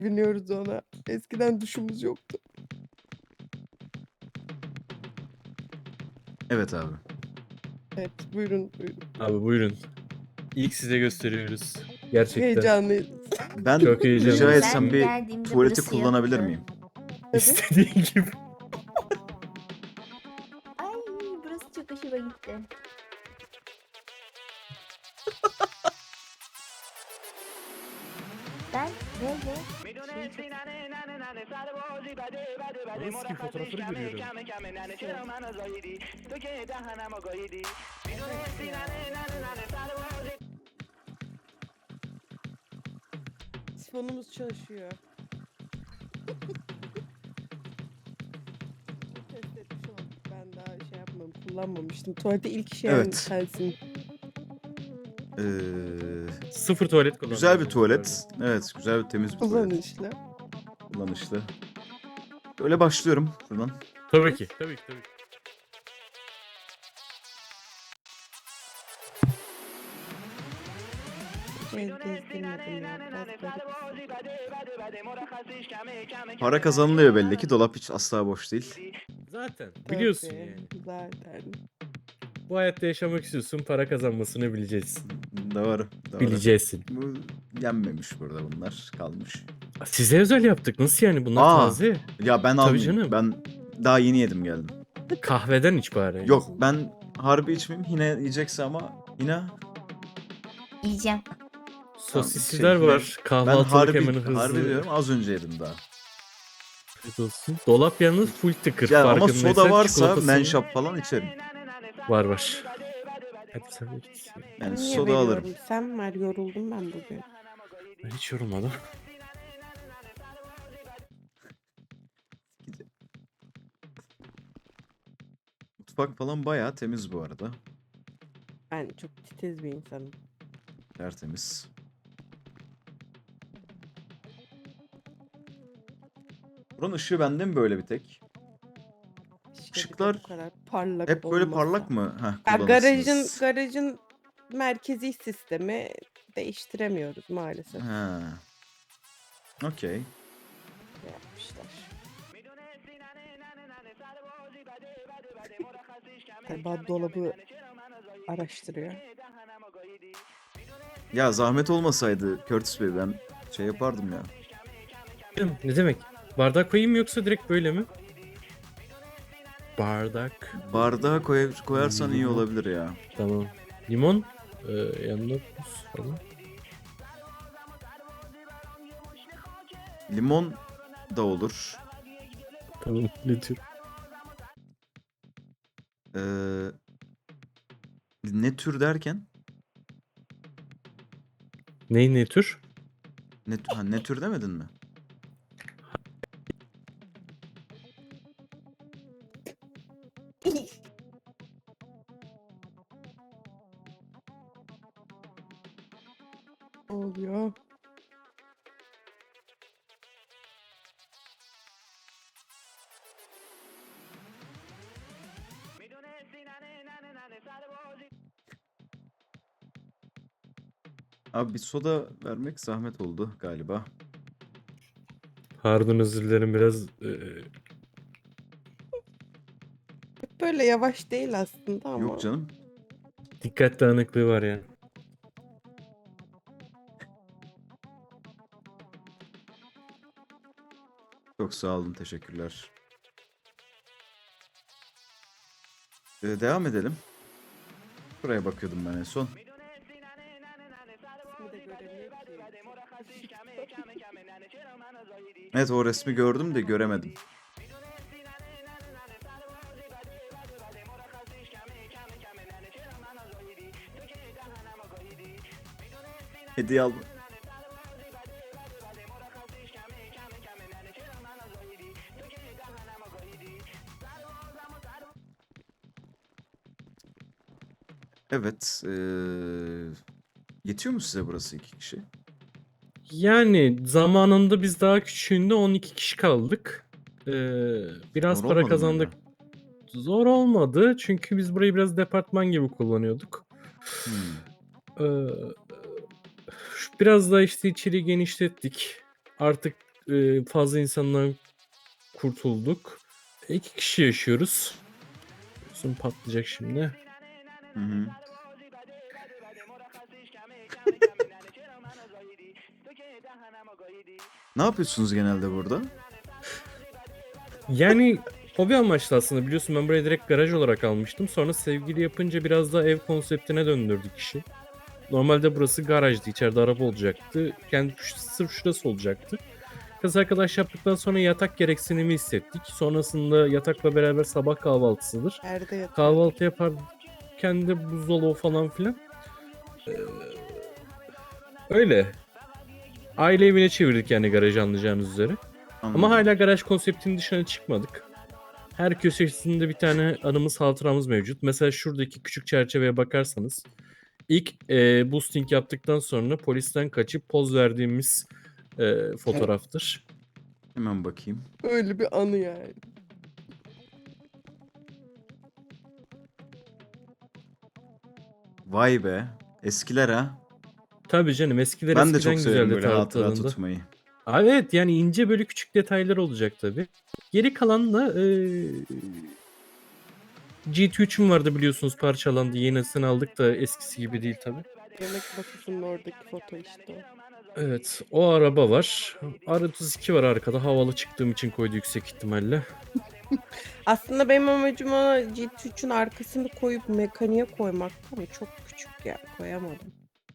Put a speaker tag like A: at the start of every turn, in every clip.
A: biniyoruz ona. Eskiden duşumuz yoktu.
B: Evet abi.
A: Evet, buyurun.
C: Abi buyurun. İlk size gösteriyoruz. Gerçekten.
A: Heyecanlıyız.
B: Ben
C: Çok heyecanlı.
B: rica
C: Ben
B: etsem bir
D: geldiğimde
B: tuvaleti
D: burası
B: kullanabilir
D: yoktu.
B: miyim?
C: İstediğin gibi.
D: Ay burası çok hoşuma gitti. Ben böyle
C: Nasıl fotoğrafları görüyorum.
A: Sifonumuz çalışıyor. Test etmiş olduk. Ben daha şey yapmadım, kullanmamıştım. Tuvalete ilk işe
B: Evet.
A: sensin.
C: Sıfır tuvalet kullandım.
B: Güzel bir tuvalet. Evet, güzel bir temiz bir tuvalet.
A: Kullanışlı.
B: Kullanışlı. Böyle başlıyorum buradan.
C: Tabii ki. Tabii ki.
A: Gezdirmedim ya.
B: Para kazanılıyor belli ki. Dolap hiç asla boş değil.
C: Zaten. Biliyorsun
A: Tabii,
C: yani.
A: Zaten.
C: Bu hayatta yaşamak istiyorsun. Para kazanmasını bileceksin.
B: Doğru.
C: Bileceksin.
B: Bu yenmemiş burada, bunlar kalmış.
C: Size özel yaptık. Nasıl yani? Bunlar
B: Aa.
C: taze.
B: Ya ben
C: Tabii
B: almayayım.
C: canım.
B: Ben daha yeni yedim geldim.
C: Kahveden iç bari.
B: Yok, ben harbi içmeyeyim. Hine yiyecekse ama Hina.
D: yiyeceğim.
C: Sosisliler
B: Şey,
C: var.
B: Ben
C: Kahvaltılık hemen hızlı.
B: harbi diyorum, az önce yedim daha.
C: Afiyet olsun. Dolap yalnız full tıkır.
B: Yani ama
C: Farkındaysan
B: soda varsa
C: çikolatası-
B: menşap falan içerim.
C: Var. Hadi sen de git.
B: Yani
A: Niye
B: soda
A: veriyorum?
B: alırım.
A: Sen ver, yoruldum ben bugün.
C: Ben hiç yorulmadım.
B: Mutfak falan bayağı temiz bu arada.
A: Ben çok titiz bir insanım.
B: Tertemiz. Buranın ışığı bende mi böyle bir tek?
A: Keşke
B: Işıklar
A: bu kadar parlak
B: Hep böyle
A: olmasa.
B: parlak mı?
A: Ya
B: Kullanırsınız.
A: garajın merkezi sistemi değiştiremiyoruz maalesef.
B: Ha. Okey.
A: Yapmışlar. Galiba dolabı araştırıyor.
B: Ya zahmet olmasaydı Curtis Bey, ben şey yapardım ya.
C: Ne demek? Bardak koyayım mı yoksa direkt böyle mi? Bardak.
B: Bardağa koyarsan iyi olabilir ya.
C: Tamam. Limon. Yanına buz falan.
B: Limon da olur.
C: Tamam. Ne tür?
B: Ne tür derken?
C: Ne tür?
B: Ne tür demedin mi?
A: Ne oluyor?
B: Abi bir soda vermek zahmet oldu galiba.
C: Pardon, özür dilerim, biraz
A: Böyle yavaş değil aslında ama.
B: Yok canım.
C: dikkat dağınıklığı var yani.
B: Çok sağ olun, teşekkürler. Devam edelim. Buraya bakıyordum ben en son.
A: İsmi de göremiyor ki.
B: Evet, o resmi gördüm de göremedim. Hediye al. Evet. Yetiyor mu size burası 2 kişi?
C: Yani zamanında biz daha küçüğünde 12 kişi kaldık. Biraz
B: Zor
C: para
B: olmadı mı
C: kazandık. Zor olmadı çünkü biz burayı biraz departman gibi kullanıyorduk. Ee, Biraz da işte içeri genişlettik. Artık fazla insandan kurtulduk. 2 kişi yaşıyoruz. Gözüm patlayacak şimdi.
B: Hı hı. Ne yapıyorsunuz genelde burada?
C: Yani hobi amaçlı aslında, biliyorsun ben burayı direkt garaj olarak almıştım. Sonra sevgili yapınca biraz da ev konseptine döndürdük işi. Normalde burası garajdı. İçeride araba olacaktı. Kendi sırf şurası olacaktı. Kız arkadaş yaptıktan sonra yatak gereksinimi hissettik. Sonrasında yatakla beraber sabah kahvaltısıdır.
A: Nerede yatıyor?
C: Kahvaltı yaparken de buzdolabı falan filan. Ee, öyle. Aile evine çevirdik yani garajı, anlayacağınız üzere.
B: Anladım.
C: Ama hala garaj konseptinin dışına çıkmadık. Her köşesinde bir tane anımız, hatıramız mevcut. Mesela şuradaki küçük çerçeveye bakarsanız ilk boosting yaptıktan sonra polisten kaçıp poz verdiğimiz fotoğraftır.
B: Hemen bakayım.
A: Öyle bir anı yani.
B: Vay be. Eskiler ha.
C: Tabii canım, eskiler
B: Ben de
C: eskiden
B: çok severim
C: güzeldi
B: böyle hatıra
C: tadında.
B: tutmayı.
C: Evet, yani ince böyle küçük detaylar olacak tabii. Geri kalan da GT3'üm vardı biliyorsunuz, parçalandı. Yenisini aldık da eskisi gibi değil tabii.
A: Yemek masasının oradaki foto işte o.
C: Evet, o araba var. R32 var arkada. Havalı çıktığım için koydu yüksek ihtimalle.
A: Aslında benim amacım ona GT3'ün arkasını koyup mekaniğe koymak ama çok küçük ya, koyamadım.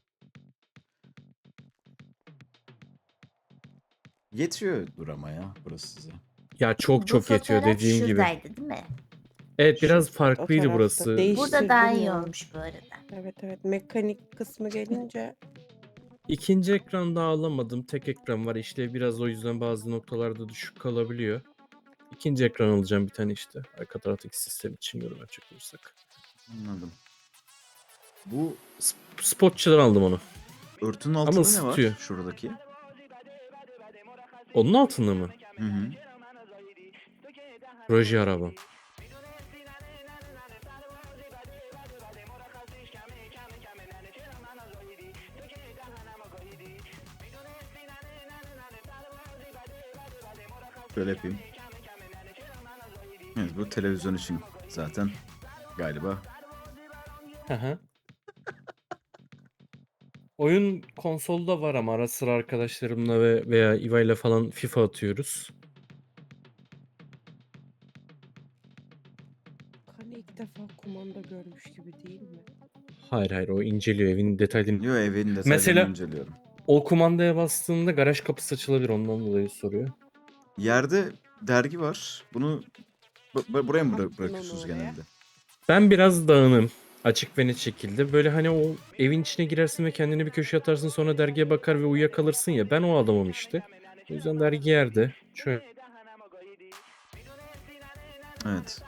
B: Yetiyordur ama ya burası size.
C: Ya çok
D: Bu
C: çok yetiyor
D: fotoğraf
C: dediğim gibi.
D: şuradaydı değil mi?
C: Evet, biraz
A: Şu- o
C: farklıydı
A: tarafta
C: burası.
A: değiş-
D: Burada daha iyi
A: Değiştirdim ya.
D: olmuş bu arada.
A: Evet mekanik kısmı gelince
C: İkinci ekranda alamadım. Tek ekran var. İşte biraz o yüzden bazı noktalarda düşük kalabiliyor. İkinci ekran alacağım bir tane işte. Arka taraftaki sistem için yorum yapacak olursak.
B: Anladım. Bu
C: Spotçıdan aldım onu.
B: örtünün altında ne var?
C: ısıtıyor.
B: Şuradaki.
C: Onun altında mı?
B: Hı hı.
C: Proje araba.
B: Şöyle yapayım. Evet, bu televizyon için zaten galiba.
C: Hı. Oyun konsolda var ama ara sıra arkadaşlarımla veya İva ile falan FIFA atıyoruz.
A: hani ilk defa kumanda görmüş gibi değil mi?
C: Hayır, o inceliyor evin detaylarını.
B: Yo, evin detaylarını
C: Mesela-
B: inceliyorum.
C: O kumandaya bastığında garaj kapısı açılabilir, ondan dolayı soruyor.
B: Yerde dergi var. Bunu buraya mı
A: Attın
B: bırakıyorsunuz
A: onu oraya.
B: genelde?
C: Ben biraz dağınım. Açık ve net şekilde. Böyle hani o evin içine girersin ve kendini bir köşeye atarsın, sonra dergiye bakar ve uyuyakalırsın ya. Ben o adamım işte. O yüzden dergi yerde. Şöyle.
B: Evet.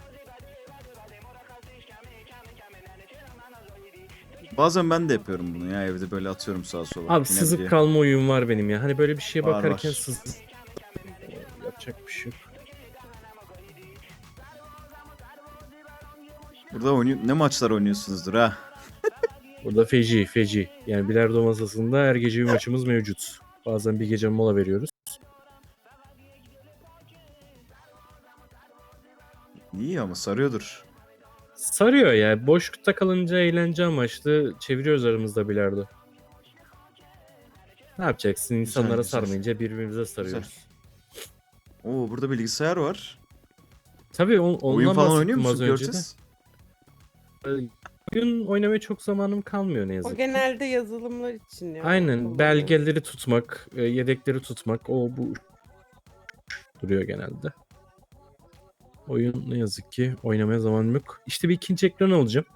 B: Bazen ben de yapıyorum bunu ya, evde böyle atıyorum sağa sola.
C: Abi
B: Yine
C: sızıp
B: diye.
C: kalma oyun var benim ya. Hani böyle bir şeye
B: Var,
C: bakarken
B: var.
C: yapacak bir şey yok.
B: Burada ne maçlar oynuyorsunuzdur ha?
C: Burada feci. Yani bilardo masasında her gece bir maçımız mevcut. Bazen bir gece mola veriyoruz.
B: İyi ama sarıyordur.
C: Sarıyor ya. Boşlukta kalınca eğlence amaçlı çeviriyoruz aramızda bilardo. Ne yapacaksın? İnsanlara
B: güzel.
C: sarmayınca birbirimize sarıyoruz.
B: Oo, burada bilgisayar var.
C: Tabii
B: Oyun
C: ondan
B: falan oynuyor
C: bahsettim az
B: musun
C: önce de.
B: Curtis?
C: Oyun oynamaya çok zamanım kalmıyor ne
A: O
C: yazık ki.
A: genelde yazılımlar için ya.
C: Aynen,
A: kullanılıyor.
C: belgeleri tutmak, yedekleri tutmak, bu duruyor genelde. Oyun ne yazık ki oynamaya zamanım yok. İşte bir ikinci ekran alacağım.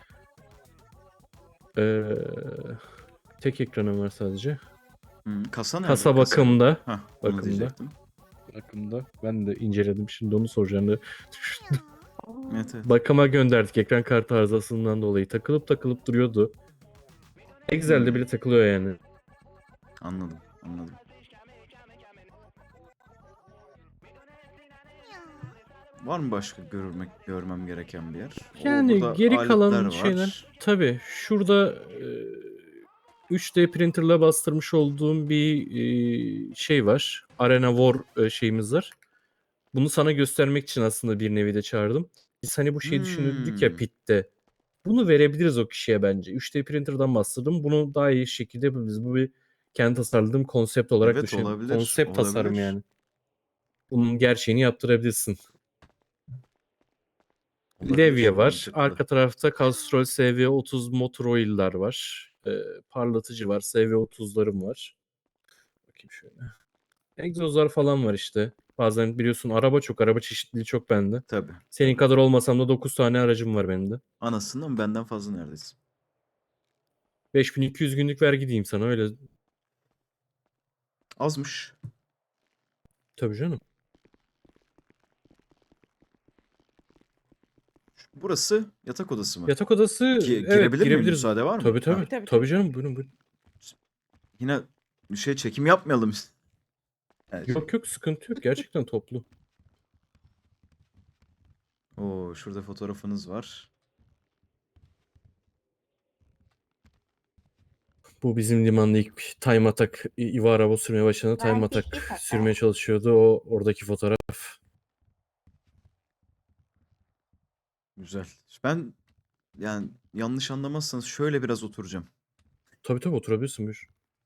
C: Tek ekranım var sadece.
B: Kasa nerede?
C: Kasa bakımda.
B: Hah, onu
C: bakımda.
B: diyecektim.
C: Bakımda. Ben de inceledim. Şimdi onu soracağım.
A: Aa,
B: Evet.
C: Bakıma gönderdik. Ekran kartı arızasından dolayı. Takılıp duruyordu. Excel'de bile takılıyor yani.
B: Anladım. Var mı başka görmem gereken bir yer?
C: Yani
B: burada
C: geri kalan
B: aletler var.
C: şeyler. Tabii şurada 3D printerla bastırmış olduğum bir şey var. Arena War şeyimiz var. Bunu sana göstermek için aslında bir nevi de çağırdım. Biz hani bu şeyi düşündük ya
B: Hmm.
C: Pit'te. Bunu verebiliriz o kişiye bence. 3D printer'dan bahsettim. Bunu daha iyi şekilde yapabiliriz. Bu bir kendi tasarladığım konsept olarak
B: Evet,
C: düşünün.
B: olabilir.
C: Konsept tasarım
B: Olabilir.
C: yani. Bunun gerçeğini yaptırabilirsin.
B: Olabilir.
C: Levye var.
B: Mantıklı.
C: Arka tarafta Castrol SV30 motor oil'lar var. Parlatıcı var. SV30'larım var. Bakayım şöyle. Egzozlar falan var işte. Bazen biliyorsun araba çeşitliliği çok bende.
B: Tabii.
C: Senin
B: Tabii.
C: kadar olmasam da 9 tane aracım var benim de.
B: Anasından benden fazla neredeyse.
C: 5200 günlük vergi diyeyim sana öyle.
B: Azmış.
C: Tabii canım.
B: Burası yatak odası mı?
C: Yatak odası evet
B: Girebilir miyim?
C: girebiliriz.
B: Müsaade var mı?
C: Tabii
B: Ha.
C: tabii.
A: Tabii,
C: Tabii
A: tabii.
C: canım buyurun buyurun.
B: Yine çekim yapmayalım. Evet.
C: Yok yok sıkıntı yok. Gerçekten toplu.
B: Oo, şurada fotoğrafınız var.
C: Bu bizim limanda ilk time attack İva araba sürmeye başladığında time
D: Ben
C: attack
D: pişti kaka.
C: sürmeye çalışıyordu. O oradaki fotoğraf.
B: Güzel. Ben yani yanlış anlamazsanız şöyle biraz oturacağım.
C: Tabii tabii oturabilirsin buyur.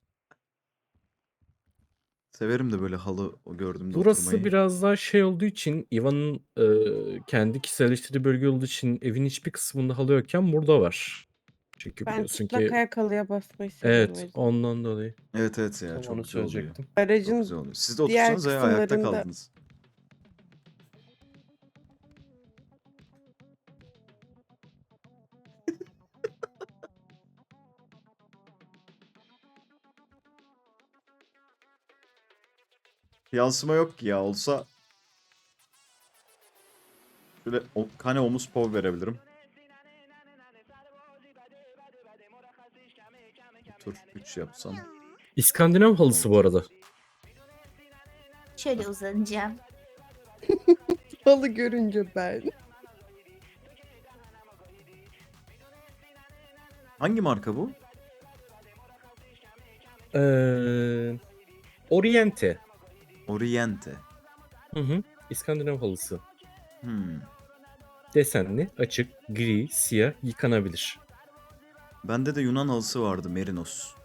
B: Severim de böyle halı o gördüğümde
C: Burası
B: oturmayı.
C: biraz daha şey olduğu için Iva'nın kendi kişiselleştirdiği bölge olduğu için evin hiçbir kısmında halı yokken burada var. Çünkü
A: Ben
C: biliyorsun
A: çıplak
C: ki
A: ayak halıya basmayı seviyorum. o
C: evet
A: yüzden.
C: ondan dolayı.
B: Evet evet ya,
C: Tam
B: çok
C: onu
B: güzel oluyor.
C: söyleyecektim.
B: Çok
A: Aracın
B: güzel oluyor. Siz de
A: diğer
B: otursanız ya ayakta
A: kısımlarında
B: kaldınız. Yansıma yok ki ya, olsa şöyle kane omuz pov verebilirim. Tur 3 yapsam.
C: İskandinav halısı bu arada.
D: Şöyle uzanacağım.
A: halı görünce ben.
B: Hangi marka bu?
C: Oriente.
B: Oriente.
C: Hı hı. İskandinav halısı.
B: Hmm.
C: Desenli, açık, gri, siyah, yıkanabilir.
B: Bende de Yunan halısı vardı, Merinos.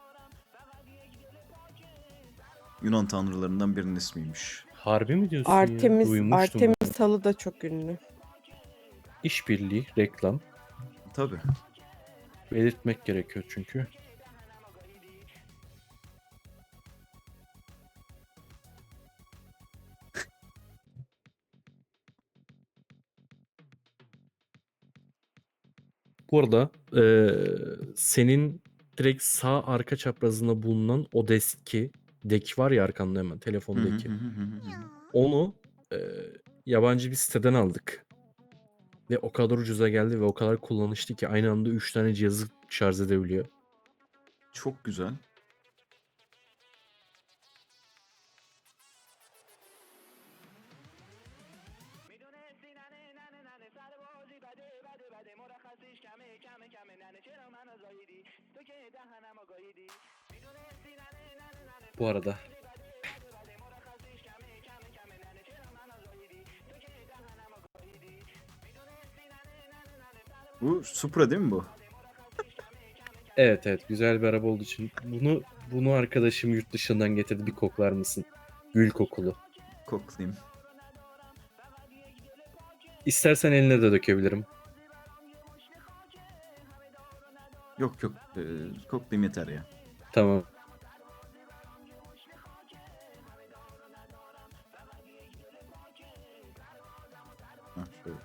B: Yunan tanrılarından birinin ismiymiş.
C: Harbi mi diyorsun ya?
A: Artemis,
C: Duymuştum ben.
A: Artemis halı da çok ünlü.
C: İşbirliği, reklam.
B: Tabii.
C: Belirtmek gerekiyor çünkü. Bu arada senin direkt sağ arka çaprazında bulunan o dek var ya arkanda hemen
B: Hı hı
C: telefondaki.
B: hı hı hı hı.
C: Onu yabancı bir siteden aldık. Ve o kadar ucuza geldi ve o kadar kullanışlı ki aynı anda 3 tane cihazı şarj edebiliyor.
B: Çok güzel.
C: Bu arada.
B: Bu Supra değil mi bu?
C: Evet evet güzel bir araba olduğu için bunu arkadaşım yurt dışından getirdi, bir koklar mısın? Gül kokulu.
B: Koklayayım.
C: İstersen eline de dökebilirim.
B: Yok yok. Koklayayım yeter ya.
C: Tamam.
B: Ha, şöyle.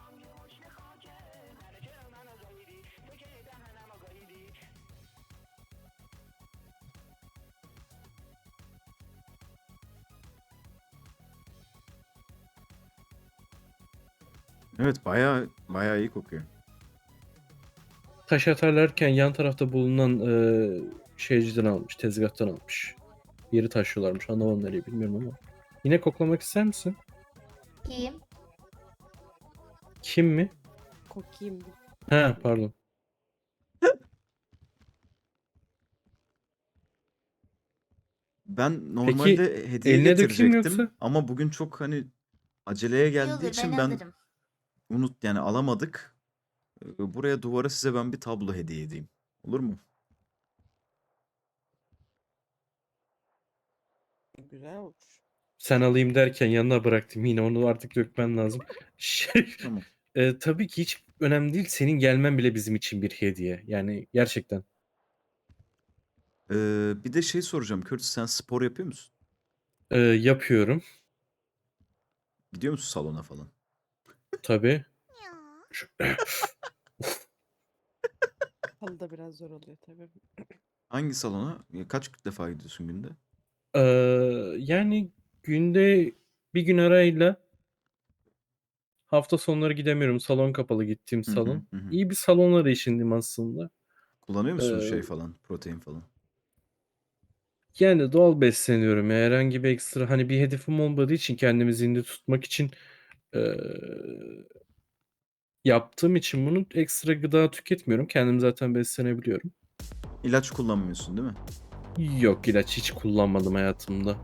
B: Evet, bayağı bayağı iyi kokuyor.
C: Taş atarlarken yan tarafta bulunan şeyciden almış, tezgahtan almış. Yeri taşıyorlarmış, anlamadım nereye bilmiyorum ama. Yine koklamak ister misin?
D: Kim?
C: Kim mi?
A: Kokayım bir.
C: Ha pardon.
B: Ben
C: Peki
B: normalde hediye
C: eline dökeyim mi
B: getirecektim
C: yoksa?
B: ama bugün çok hani aceleye
D: İyi
B: geldiği
D: olur ben
B: için ben
D: alırım.
B: yani alamadık. Buraya duvara size ben bir tablo hediye edeyim. Olur mu?
A: Güzel olur.
C: Sen alayım derken yanına bıraktım. Yine onu artık dökmen lazım. Şey,
B: Tamam.
C: tabii ki hiç önemli değil. Senin gelmen bile bizim için bir hediye. Yani gerçekten.
B: Bir de şey soracağım. Curtis, sen spor yapıyor musun?
C: Yapıyorum.
B: Gidiyor musun salona falan?
C: Tabii. Şu-
A: Halı da biraz zor oluyor tabii.
B: Hangi salona? Kaç defa gidiyorsun günde?
C: Yani günde bir gün arayla hafta sonları gidemiyorum. Salon kapalı gittiğim
B: Hı hı,
C: salon.
B: hı hı.
C: İyi bir salon arayışındayım aslında.
B: Kullanıyor musun
C: Ee,
B: şey falan, protein falan?
C: Yani doğal besleniyorum. Ya. Herhangi bir ekstra hani bir hedefim olmadığı için kendimi zinde tutmak için ee, yaptığım için bunu ekstra gıda tüketmiyorum. Kendim zaten beslenebiliyorum.
B: İlaç kullanmıyorsun değil mi?
C: Yok ilaç hiç kullanmadım hayatımda.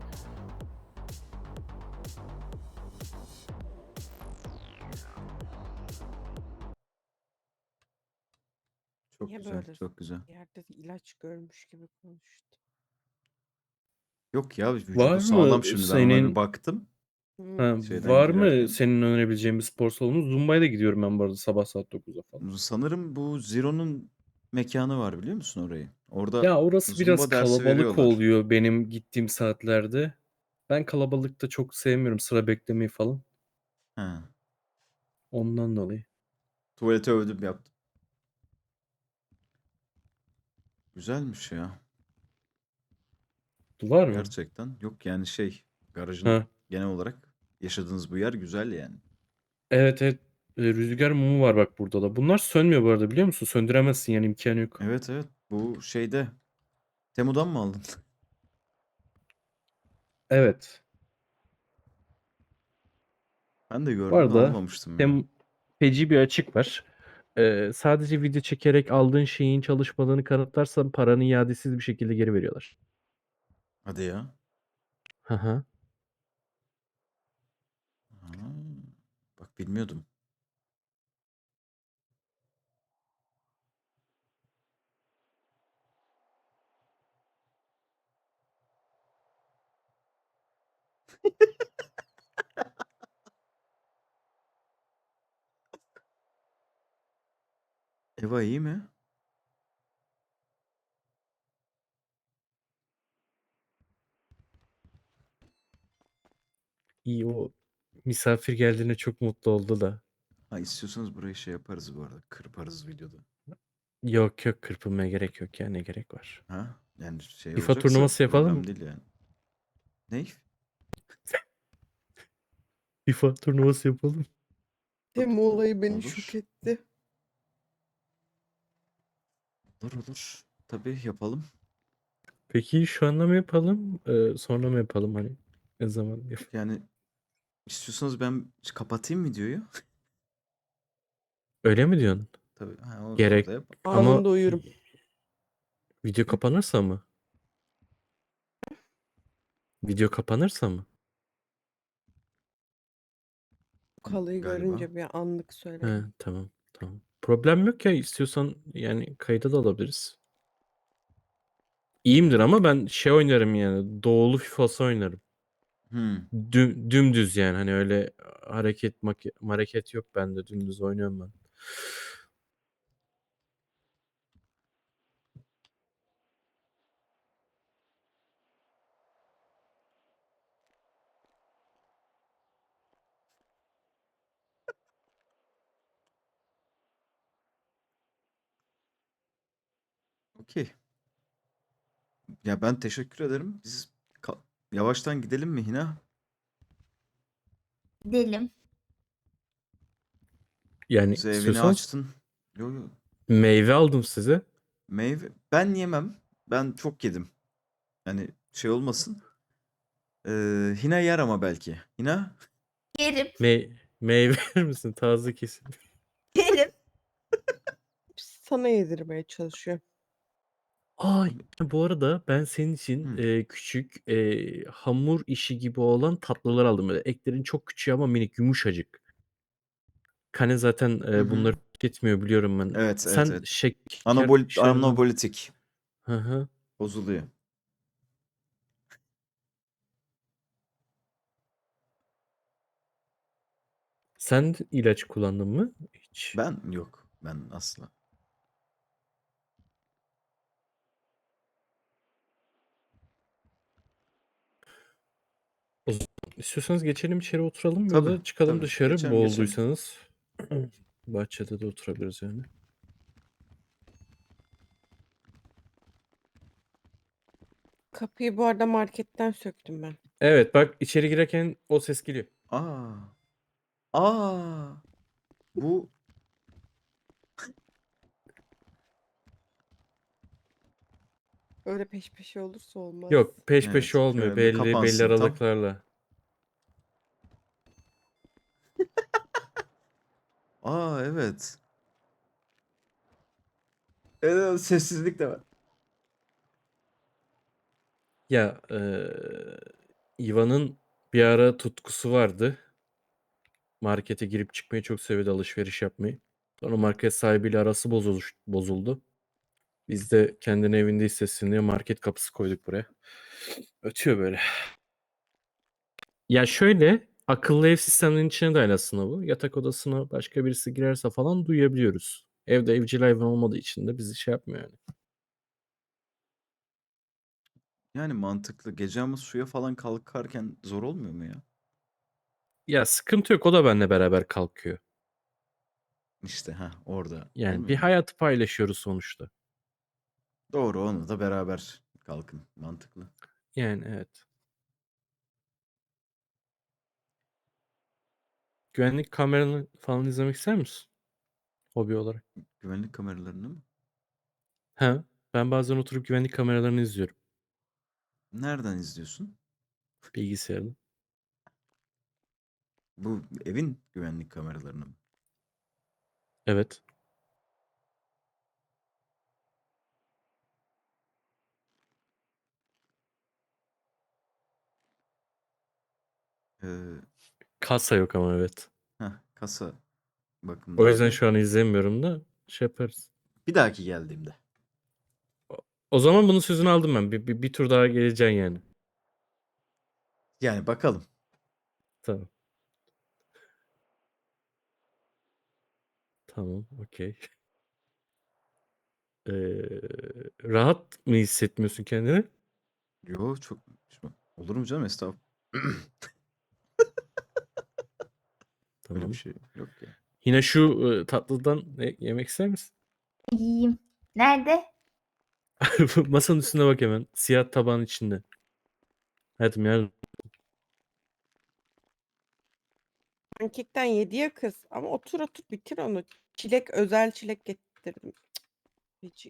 B: Çok
A: Niye
B: güzel,
A: böyle
B: çok güzel.
A: yerde ilaç görmüş gibi konuştu?
B: Yok ya,
C: Var
B: vücudu sağlam
C: mı
B: şimdi. Ben ona bir
C: senin
B: baktım
A: Hmm.
C: ha,
B: şeyden
C: var mı
B: girerken.
C: senin önerebileceğin bir spor salonu? Zumba'ya da gidiyorum ben bu arada sabah saat 9'da falan.
B: Sanırım bu Zero'nun mekanı var, biliyor musun orayı? Orada
C: Ya orası biraz
B: Zumba dersi
C: kalabalık
B: veriyorlar.
C: oluyor benim gittiğim saatlerde. Ben kalabalıkta çok sevmiyorum sıra beklemeyi falan.
B: He.
C: Ondan dolayı.
B: Tuvalete övdüm yaptım. Güzelmiş ya.
C: Var mı?
B: Gerçekten. Yok yani şey, garajın
C: Ha.
B: genel olarak yaşadığınız bu yer güzel yani.
C: Evet evet. Rüzgar mumu var bak burada da. Bunlar sönmüyor bu arada biliyor musun? Söndüremezsin yani imkanı yok.
B: Evet evet, bu şeyde Temu'dan mı aldın?
C: Evet.
B: Ben de
C: Bu
B: gördüm de
C: arada
B: almamıştım ya.
C: hem feci bir açık var. Sadece video çekerek aldığın şeyin çalışmadığını kanıtlarsan paranı iadesiz bir şekilde geri veriyorlar.
B: Hadi ya.
C: Hı hı.
B: Ha, bak bilmiyordum. Eva iyi mi?
C: İyi o misafir geldiğine çok mutlu oldu da.
B: Ha, istiyorsanız burayı şey yaparız bu arada. Kırparız videoda.
C: Yok yok kırpılmaya gerek yok ya ne gerek var.
B: Ha? Yani şey
C: FIFA
B: olacaksa
C: turnuvası yapalım
B: problem
C: mı?
B: değil yani. Ne?
C: FIFA turnuvası yapalım.
A: Temu olayı beni şok
B: Olur.
A: etti.
B: Olur olur. Tabii yapalım.
C: Peki şu anda mı yapalım? Sonra mı yapalım hani? Ne zaman yap?
B: Yani istiyorsanız ben kapatayım videoyu.
C: Öyle mi diyorsun?
B: Tabii. Ha,
C: Gerek
B: orada yap.
C: ama
A: Anında uyurum.
C: video kapanırsa mı? Video kapanırsa mı?
A: Kalıyı
B: Galiba.
A: görünce bir anlık
C: He,
A: söyledim.
C: tamam tamam. Problem yok ya istiyorsan yani kayıda da alabiliriz. İyiyimdir ama ben şey oynarım yani doğulu FIFA'sı oynarım.
B: Hmm.
C: Dümdüz yani hani öyle hareket yok bende dümdüz oynuyorum ben.
B: Okey. Ya ben teşekkür ederim. Biz yavaştan gidelim mi Hina?
D: Gidelim.
C: Yani
B: Bize evini
C: istiyorsanız
B: açtın. Yo yo.
C: meyve aldım size.
B: Meyve. Ben yemem. Ben çok yedim. Yani şey olmasın. Hina yer ama belki. Hina?
D: Yerim.
C: Meyve verir misin? Taze kesin.
D: Yerim.
A: Sana yedirmeye çalışıyor.
C: Aa, bu arada ben senin için
B: Hı.
C: küçük hamur işi gibi olan tatlılar aldım. Böyle eklerin çok küçüğü ama minik yumuşacık. Kane zaten
B: Hı hı.
C: bunları tüketmiyor biliyorum ben.
B: Evet, evet,
C: Sen
B: evet.
C: şeker işlerinden...
B: Anabolitik
C: Hı hı.
B: bozuluyor.
C: Sen ilaç kullandın mı? Hiç.
B: Ben yok. Ben asla.
C: O zaman istiyorsanız geçelim içeri oturalım ya
B: Tabii,
C: da çıkalım
B: tabii.
C: dışarı
B: Geçelim, geçelim.
C: boğulduysanız. Bahçede de oturabiliriz yani.
A: Kapıyı bu arada marketten söktüm ben.
C: Evet bak içeri girerken o ses geliyor.
B: Aa. Aa. Bu
A: Öyle peş peşe olursa olmaz.
C: Yok peş peşe
B: evet.
C: olmuyor.
B: Şöyle bir
C: Belli
B: kapansın tam.
C: aralıklarla.
B: Aa, evet. Evet, sessizlik de var.
C: Ya Ivan'ın bir ara tutkusu vardı. Markete girip çıkmayı çok seviyordu, alışveriş yapmayı. Sonra market sahibiyle arası bozuldu. Biz de kendini evinde hissetsin diye market kapısı koyduk buraya. Ötüyor böyle. Ya şöyle akıllı ev sistemlerinin içine dahil aslında bu. Yatak odasına başka birisi girerse falan duyabiliyoruz. Evde evcil hayvan olmadığı için de bizi şey yapmıyor yani.
B: Yani mantıklı. Gece ama suya falan kalkarken zor olmuyor mu ya?
C: Ya sıkıntı yok, o da benimle beraber kalkıyor.
B: İşte ha orada
C: Yani bir
B: olmuyor mu?
C: hayatı paylaşıyoruz sonuçta.
B: Doğru, onu da beraber kalkın. Mantıklı.
C: Yani evet. Güvenlik kameralarını falan izlemek ister misin? Hobi olarak.
B: Güvenlik kameralarını mı?
C: Ha, ben bazen oturup güvenlik kameralarını izliyorum
B: Nereden izliyorsun?
C: bilgisayarda.
B: Bu evin güvenlik kameralarını mı?
C: Evet.
B: Ee,
C: Kasa yok ama evet.
B: kasa
C: O yüzden
B: bakımları.
C: şu an izlemiyorum da şey yaparız.
B: Bir dahaki geldiğimde.
C: O zaman bunun sözünü aldım ben. Bir tur daha geleceksin yani.
B: Yani bakalım.
C: Tamam. Tamam. Okey. Ee, rahat mı hissetmiyorsun kendini?
B: Yo, çok olur mu canım, estağfurullah. Öyle bir
C: Tamam.
B: şey yok ya.
C: Yine şu tatlıdan yemek ister misin?
D: Yiyeyim. Nerede?
C: Masanın üstüne bak hemen. Siyah tabağın içinde. Hayatım ya.
A: Pankekten yedi ya kız. Ama otur otur bitir onu. Çilek özel çilek getirdim. Hiç.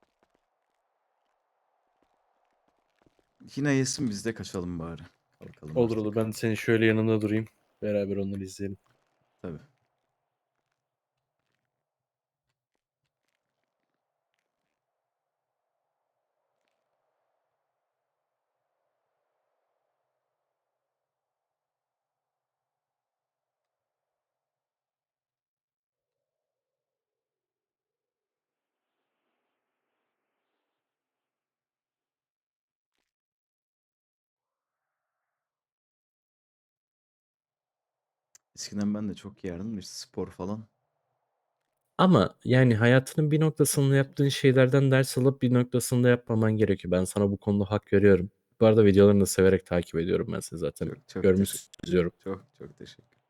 B: Yine yesin, biz de kaçalım bari. Kalkalım
C: Olur olur.
B: artık.
C: Ben senin şöyle yanında durayım. Beraber onları izleyelim.
B: Tabii. Eskiden ben de çok yerdim de işte spor falan.
C: Ama yani hayatının bir noktasında yaptığın şeylerden ders alıp bir noktasında yapmaman gerekiyor. Ben sana bu konuda hak veriyorum. Bu arada videolarını da severek takip ediyorum ben seni zaten.
B: Çok çok teşekkür.
C: Görmüşsünüz.
B: Çok teşekkür.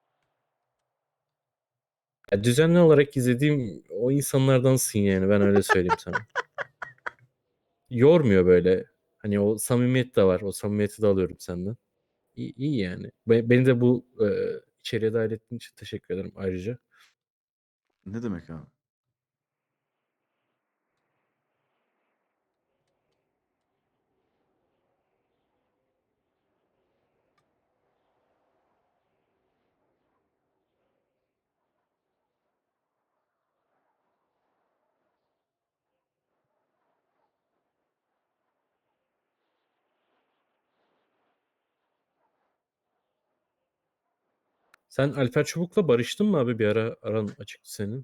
C: Ya düzenli olarak izlediğim o insanlardansın yani ben öyle söyleyeyim sana. Yormuyor böyle. Hani o samimiyet de var. O samimiyeti de alıyorum senden. İyi, iyi yani. Beni de bu içeriye dahil ettiğin için teşekkür ederim ayrıca.
B: Ne demek abi?
C: Sen Alper Çubuk'la barıştın mı abi? Bir ara aran açıktı senin.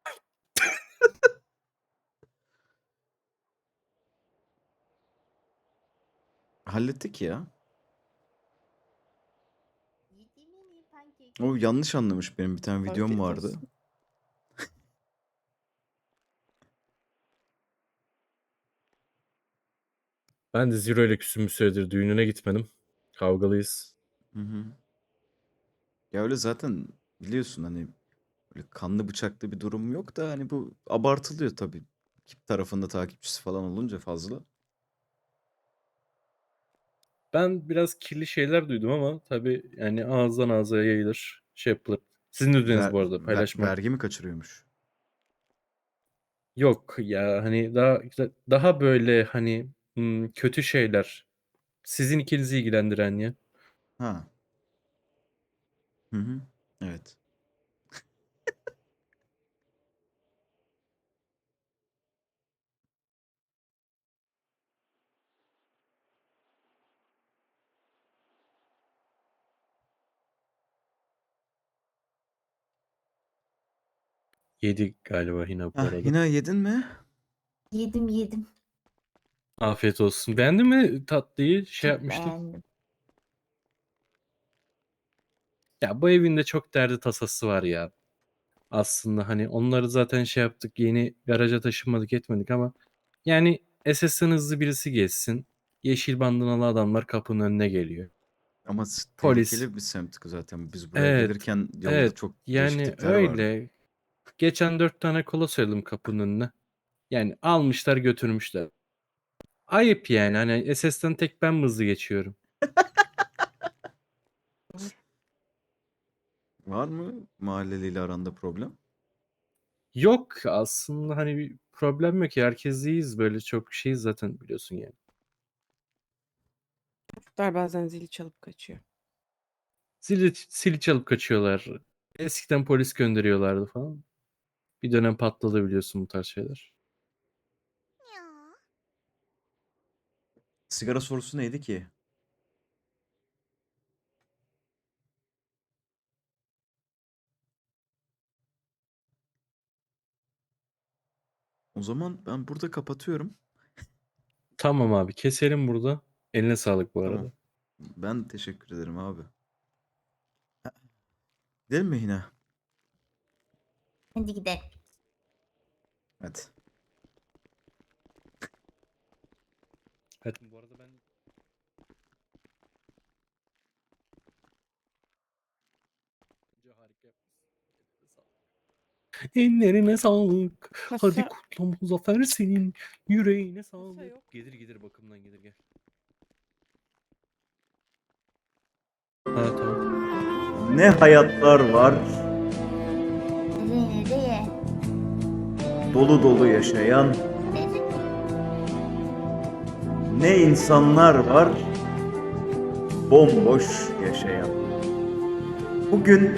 B: Hallettik ya.
D: Yediğim en iyi pankek.
B: O yanlış anlamış, benim bir tane videom
A: Afiyet
B: vardı.
A: olsun.
C: Ben de Zero ile küsüm bir süredir. Düğününe gitmedim. Kavgalıyız.
B: Hı hı. Ya öyle zaten, biliyorsun hani böyle kanlı bıçaklı bir durum yok da hani bu abartılıyor tabii. Ekip tarafında takipçisi falan olunca fazla.
C: Ben biraz kirli şeyler duydum ama tabii yani ağızdan ağza yayılır. Şey yapılır. Sizin de düğününüz bu arada paylaşmak.
B: Vergi mi kaçırıyormuş?
C: Yok ya hani daha böyle hani kötü şeyler. Sizin ikinizi ilgilendiren ya.
B: Ha. Hı hı. Evet.
C: Yedi galiba yine bu
B: Ah,
C: arada.
B: Hina yedin mi?
D: Yedim.
C: Afiyet olsun. Beğendin mi tatlıyı? Şey
D: Çok
C: yapmıştım.
D: beğendim.
C: Ya bu evin de çok derdi tasası var ya. Aslında hani onları zaten şey yaptık. Yeni garaja taşınmadık etmedik ama yani SS'den hızlı birisi geçsin. Yeşil bandanalı adamlar kapının önüne geliyor.
B: Ama
C: Polis.
B: tehlikeli bir semt zaten. Biz buraya
C: Evet.
B: gelirken yolda
C: Evet.
B: çok değişik
C: Yani
B: tipler vardı.
C: öyle. Geçen 4 tane kola söyledim kapının önüne. Yani almışlar götürmüşler. Ayıp yani. Hani SS'den tek ben mi hızlı geçiyorum?
B: Var mı mahalleliyle aranda problem?
C: Yok aslında hani bir problem yok ya. Herkes iyiyiz böyle çok şeyiz zaten biliyorsun yani.
A: Çocuklar bazen zili çalıp kaçıyor.
C: Zili çalıp kaçıyorlar. Eskiden polis gönderiyorlardı falan. Bir dönem patladı biliyorsun bu tarz şeyler.
B: Sigara sorusu neydi ki? O zaman ben burada kapatıyorum.
C: Tamam abi keselim burada. Eline sağlık bu
B: Tamam.
C: arada.
B: Ben teşekkür ederim abi. Gidelim mi Hina?
D: Hadi gidelim.
B: Hadi.
C: Evet bu arada ben bence harika yapmışsın. Ellerine sağlık. Hadi
A: Kasa,
C: kutlu Muzaffer senin. Yüreğine
A: kasa
C: sağlık.
A: yok.
C: Gelir bakımdan gelir gel. Ha tamam.
B: Ne hayatlar var,
D: Nereye?
B: dolu dolu yaşayan, ne insanlar var, bomboş yaşayan. Bugün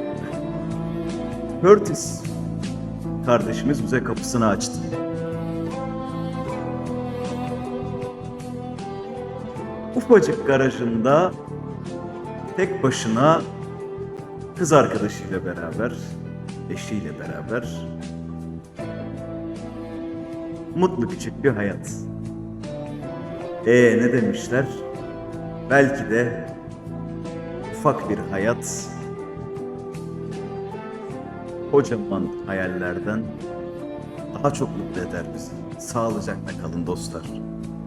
B: Curtis kardeşimiz bize kapısını açtı. Ufacık garajında tek başına kız arkadaşıyla beraber, eşiyle beraber mutlu küçük bir hayat. Ne demişler? Belki de ufak bir hayat kocaman hayallerden daha çok mutlu eder bizi. Sağlıcakla kalın dostlar.